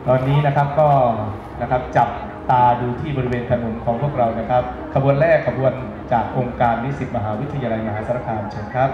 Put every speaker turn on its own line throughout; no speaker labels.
ตอนนี้นะครับก็นะครับจับตาดูที่บริเวณถนนของพวกเรานะครับขบวนแรกขบวนจากองค์การนิสิตมหาวิทยาลัยมหาสารคามเชิญครับ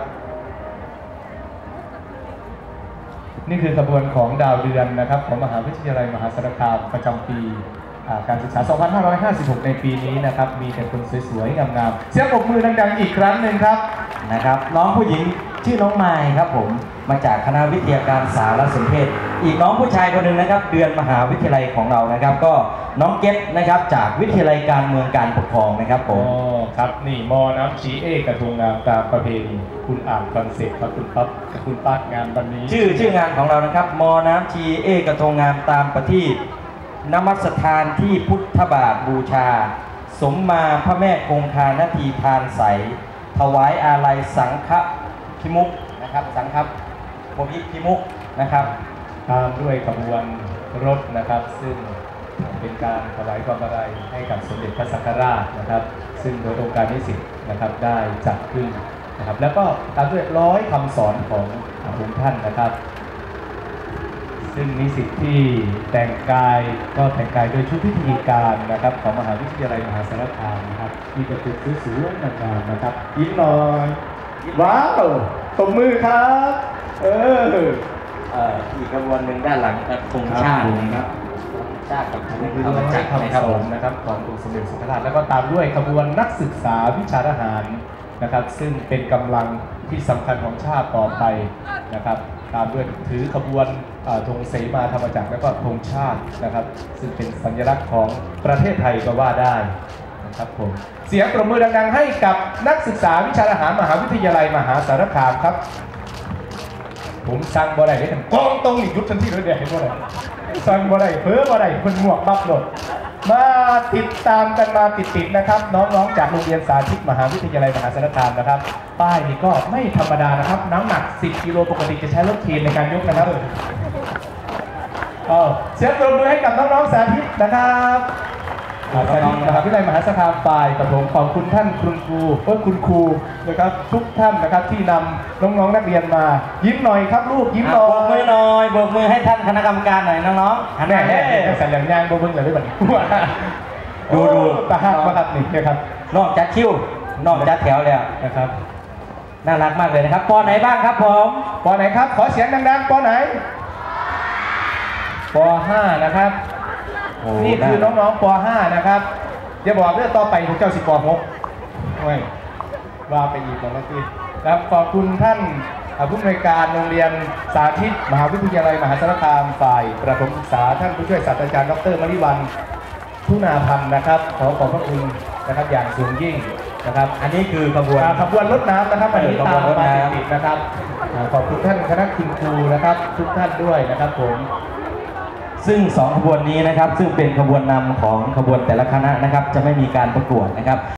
นี่คือขบวนของดาวเดือนนะครับของมหาวิทยาลัยมหาสารคามประจำปีการศึกษา 2556 ในปีนี้นะครับมีแต่คนสวยๆงามๆเสียงปรบมือดังๆอีกครั้งหนึ่งครับ
นะครับน้องผู้หญิงชื่อน้องไมค์ครับผมมาจากคณะวิทยาการสารสนเทศอีกน้องผู้ชายคนหนึ่งนะครับเดือนมหาวิทยาลัยของเรานะครับก็น้องเก็ตนะครับจากวิทยาลัยการเมืองการปกครองนะครับผม
ครับนี่มอน้ำชีเอกระทงงามตามประเพณีคุณอ่านคอนเซ็ปต์ครับคุณปั๊บคุณปัดงานวันนี้
ชื่องานของเรานะครับมอน้ำชีเอกระทงงามตามประทีปนมัสถานที่พุทธบาทบูชาสมมาพระแม่คงคานาทีทานใสถวายอาลัยสังฆพิมุขนะครับสังฆพิมุขนะครับ
ตามด้วยขบวนรถนะครับซึ่งเป็นการถวายความอาลัยให้กับสมเด็จพระสังฆราชนะครับซึ่งโดยองค์การนิสิตนะครับได้จัดขึ้นนะครับแล้วก็ตามด้วย100 คำสอนขององค์ท่านนะครับซึ่งนิสิตที่แต่งกายก็แต่งกายโดยชุดพิธีการนะครับของมหาวิทยาลัยมหาสารคามนะครับมีประตูสวยๆงามๆนะครับยิ้มหน่อยว้าวตบมือครับ
อีกขบวนหนึ่งด้านหลังธงชาตินะครับชาติกับธงธรรมจักรนะครับผม
นะครับขององค์สมเด็จสังฆราชแล้วก็ตามด้วยขบวนนักศึกษาวิชาทหารนะครับซึ่งเป็นกำลังที่สำคัญของชาติต่อไปนะครับตามด้วยถือขบวนธงเสมาธรรมจักรแล้วก็ธงชาตินะครับซึ่งเป็นสัญลักษณ์ของประเทศไทยก็ว่าได้นะครับผมเสียงปรบมือดังๆให้กับนักศึกษาวิชาทหารมหาวิทยาลัยมหาสารคามครับผมสั่งบ่ได้ได้ทั้งกองตรงอีกยุบทันทีเลยเดี๋ยวเห็นบ่ได้สั่งบ่ได้เพ้อบ่ได้คนหมวกบักหลดมาติดตามกันมาติดๆนะครับน้องๆจากโรงเรียนสาธิตมหาวิทยาลัยมหาสารคามนะครับป้ายนี้ก็ไม่ธรรมดานะครับน้ำหนัก10 กิโลปกติจะใช้รถเคนในการยกนะครับเสียงปรบมือให้กับน้องๆสาธิตนะครับสาธิตมหาวิทยาลัยมหาสารคามฝ่ายประถมขอบคุณท่านคุณครูนะครับทุกท่านนะครับที่นำน้องๆนักเรียนมายิ้มหน่อยครับลูกยิ้มหน่อย
โบกมือหน่อยโบกมือให้ท่านคณะกรรมการหน่อยน้องๆ
แม่สัญญาณย่างโบกมือเลยได้ไหมดูตาหักมาครับนี่นะครับ
นอกจากคิ้วนอกจากแถวแล้ว
นะครับ
น่ารักมากเลยนะครับป.ไหนบ้างครับผม
ป.ไหนครับขอเสียงดังๆป.ไหนป.5 นะครับนี่คือน้องๆป.5 นะครับอย่าบอกเรื่องต่อไปพวกเจ้า10 ป.6ไม่ว่าไปอีกแล้วพี่ครับขอบคุณท่านผู้อำนวยการโรงเรียนสาธิตมหาวิทยาลัยมหาสารคามฝ่ายประถมศึกษาท่านผู้ช่วยศาสตราจารย์ดร.มริวรรณทุนาพันธ์นะครับขอขอบพระคุณนะครับอย่างสูงยิ่งนะครับ
อันนี้คือขบ
วนรถน้ำนะครับอันนี้ตามมาติดนะครับขอบคุณท่านคณะคุณครูนะครับทุกท่านด้วยนะครับผม
ซึ่ง2 ขบวนนี้นะครับซึ่งเป็นขบวนนำของขบวนแต่ละคณะนะครับจะไม่มีการประกวดนะครับ